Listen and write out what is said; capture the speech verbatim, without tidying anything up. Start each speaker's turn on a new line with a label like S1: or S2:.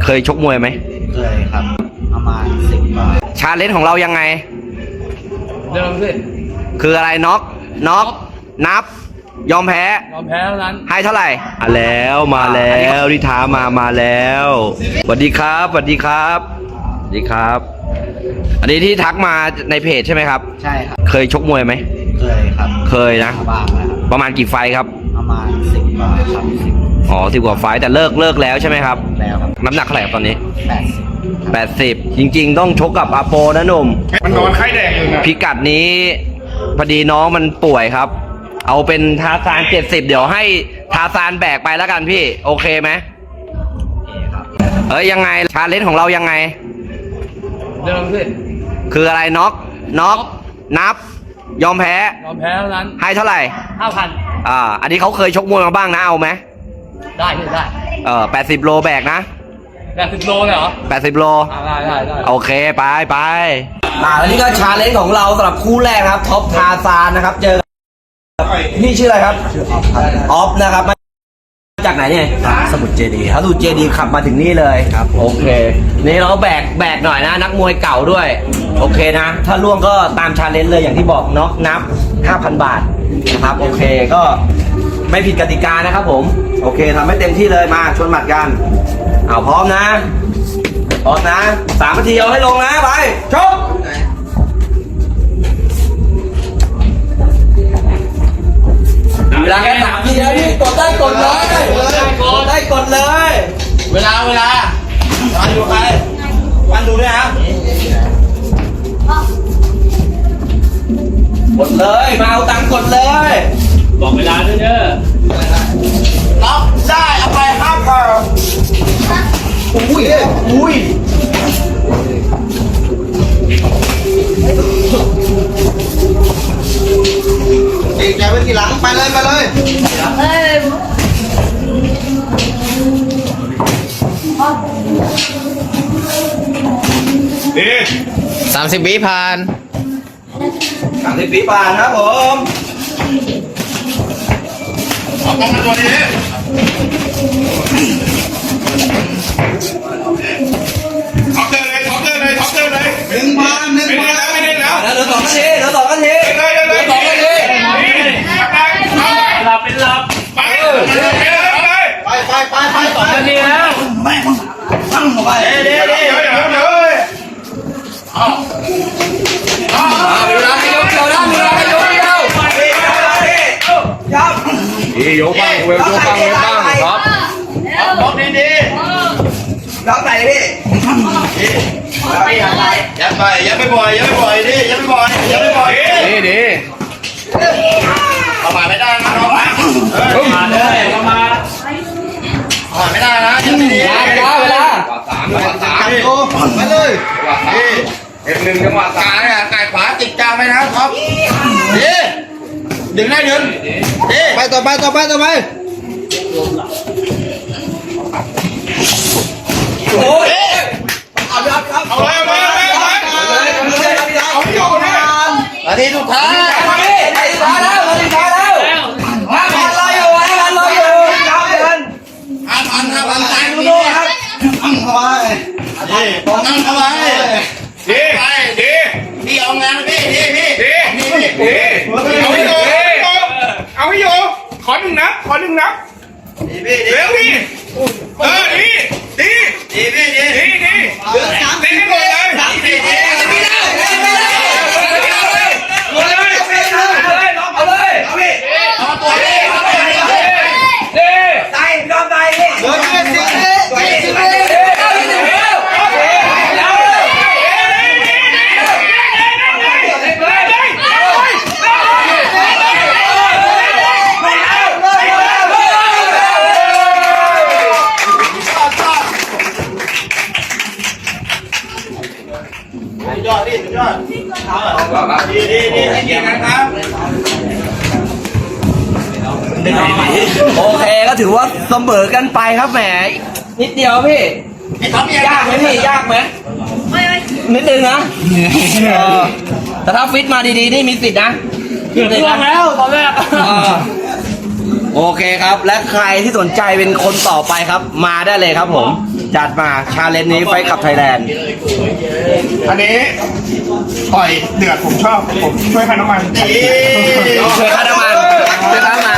S1: เคยชกมวยไหม
S2: เคยครับประมาณสิบกว่า
S1: ชาเลนจ์ของเรายังไง
S3: เดิมขึ้น
S1: คืออะไรน็อกน็อกนับยอมแพ้
S3: ยอมแพ้เท่านั้น
S1: ให้เท่าไหร่อ่ะแล้วมาแล้วนิท้ามามาแล้วสวัสดีครับสวัสดีครับสวัสดีครับอันนี้ที่ทักมาในเพจใช่ไหมครับ
S2: ใช่ครับ
S1: เคยชกมวยไหม
S2: เคยครับ
S1: เคยนะ
S2: บ้างนะครับ
S1: ประมาณกี่ไฟครับ
S2: ประมาณสิบกว่าครับสิบ
S1: อ๋อสิบกว่าไฟแต่เลิกเลิกแล้วใช่ไหมครับ
S2: แล้วครับ
S1: น้ำหนักเท่าไหร่ตอนนี้
S2: แปดสิบ
S1: แปดสิบจริงๆต้องชกกับอาโปนะหนุ่ม
S4: มันนอนไข้แดงอยู่นะ
S1: พิกัดนี้พอดีน้องมันป่วยครับเอาเป็นทาซานเจ็ดสิบเดี๋ยวให้ทาซานแบกไปแล้วกันพี่โอเคไหม
S2: โอเคครับ
S1: เอ้ยยังไงชาเลนจ์ของเรายังไง
S3: เดิมขึ้น
S1: คืออะไรน็อกน็อกนับยอมแพ้
S3: ยอมแพ้เท่านั้น
S1: ให้เท่าไหร่
S3: ห้าพัน
S1: อ่าอันนี้เขาเคยชกมวยมาบ้างนะเอาไหม
S3: ได้ได้
S1: เออแปดสิบโลแบกนะ
S3: แปดสิบโลเลยเหรอ
S1: แปดสิบโล
S3: ได้ได้ได้
S1: โอเคไปไปมาแล้วนี่ก็ชาเลนจ์ของเราสำหรับคู่แรกครับท็อปทาซานนะครับเจอนี่ชื่ออะไรครับ
S2: ชื่อออฟครับ
S1: ออฟนะครับมาจากไหนเนี่ย
S2: สมุทรเจดีย์
S1: สมุทรเจดีย์ขับมาถึงนี่เลย
S2: ครับ
S1: โอเคนี่เราแบกแบกหน่อยนะนักมวยเก่าด้วยโอเคนะถ้าล่วงก็ตามชาเลนจ์เลยอย่างที่บอกน็อกนับ ห้าพัน บาทนะครับโอเคก็ไม่ผิดกติกานะครับผมโอเคทำให้เต็มที่เลยมาชวนหมัดกันเอาพร้อมนะพร้อมนะสามนาทีเอาให้ลงนะไปชกเวลาแค่สามนาทีแล้วพี่กดได้กดเลยกดได้กดเลย
S3: เวลาเวลา
S1: วันดูใครวันดูด้วยนะกดเลยมาเอาตังค์กดเลย
S3: บอกเวลาด้วยเด้อ
S1: รับได้เอาไปห้าพันอุ้ยอุ้ย
S2: เอกใจไว้ทีหลังไปเลยไปเลย
S4: ดี
S3: สามสิบวิผ่าน
S1: สามสิบวิผ่านครับผม
S4: เอากล้องมาตัวนี้ท็อปเจอเลยท็อปเจอเลยท็อปเจอเลย
S2: หนึ่งพันหนึ่งพัน
S4: ไม่ได้แล้ว
S1: เหลือสองนาทีเหลือสองนาทีเหลือสองนาที
S3: หลับเป็นหลับ
S4: ไปไป
S2: ไปไปไป
S3: สองนาทีแล้ว
S2: แม่ฟังไป
S4: เดี๋ยวเดี๋ยวเดี๋ยวเดี๋ยวเดี๋ยวเอา
S1: เอาเวลาให้ยกเดียวนะเวลาให้ยกเดียวยับ
S4: อีโยบังเวลโยบังเวลบังครับ
S2: เอาบล็อกดีดี
S1: ล็อกไหนพี่
S2: ยัดไปยัดไปบ่อยยัดไปบ่อยดิยัดไปบ่อยยัดไปบ่อย
S4: ดีดี
S2: ประมาทไม่ได้นะน้องนะ
S3: มาเลยมา
S2: ประมาทไม่ได้นะยัดดี
S1: เวลาเวลา
S4: สามจังหวะสาม
S2: โอ้ไปเลย
S4: นี่เอ็ดหนึ่งจังหวะสาม
S2: เนี่ยไก่ขวาติดกลางไปนะครับดีดึงได้ดึงดีไปต่อไปต่อไปต่อไป
S1: โอ้ย
S4: เอาเลยเอาเลยเอาเลยเอาที่อยู่นะ
S2: นาทีสุดท้าย
S1: นาทีสุดท้ายแล้วนาทีสุดท้ายแล้วห้าพันรออยู่ห้าพันรออยู่ยับเดิน
S2: ห้าพันห้าพันตายดูครับตั้งเข้าไปดีตั้งเข้าไป
S4: ดีดี
S2: พี่เอางานพี่ดีพี่
S4: ดีดีเอาให้อยู่เอาให้อยู่ขอหนึ่งนับขอหนึ่งนับเร็วพี่เออดีดี
S2: ดีพี่ดี
S4: ดีดี
S2: เหลือสามสิบ
S4: ให้หมดเลย
S2: สามสิบดีไม่ได้ไม่ได้
S4: หมดเลย
S1: เอาเลยเอาพี่
S2: เอาตัวนี้เอาตัวนี้
S4: ดี
S1: ใจยอมใจพี่
S2: เหลือแค่สิบเอ็ดสิบเอ็ดยอดดิยอดดีดีดีให้เกียรตินะครับ
S1: โอเคก็ถือว่าเสมอกันไปครับแหมนิดเดียวพี่ยากไหมพี่ยากไหมไม่ไม่นิดนึงนะแต่ถ้าฟิตมาดีๆนี่มีสิทธินะ
S3: เกือบล่วงแล้วตอนแรก
S1: โอเคครับและใครที่สนใจเป็นคนต่อไปครับมาได้เลยครับผมจัดมาชาเลนจ์นี้ไฟขับไทยแลนด์
S4: อันนี้ปล่อยเดือดผมชอบผมช่วยค่าน้ำมัน
S1: ช่วยค่าน้ำมันช่วยค่าน้ำมัน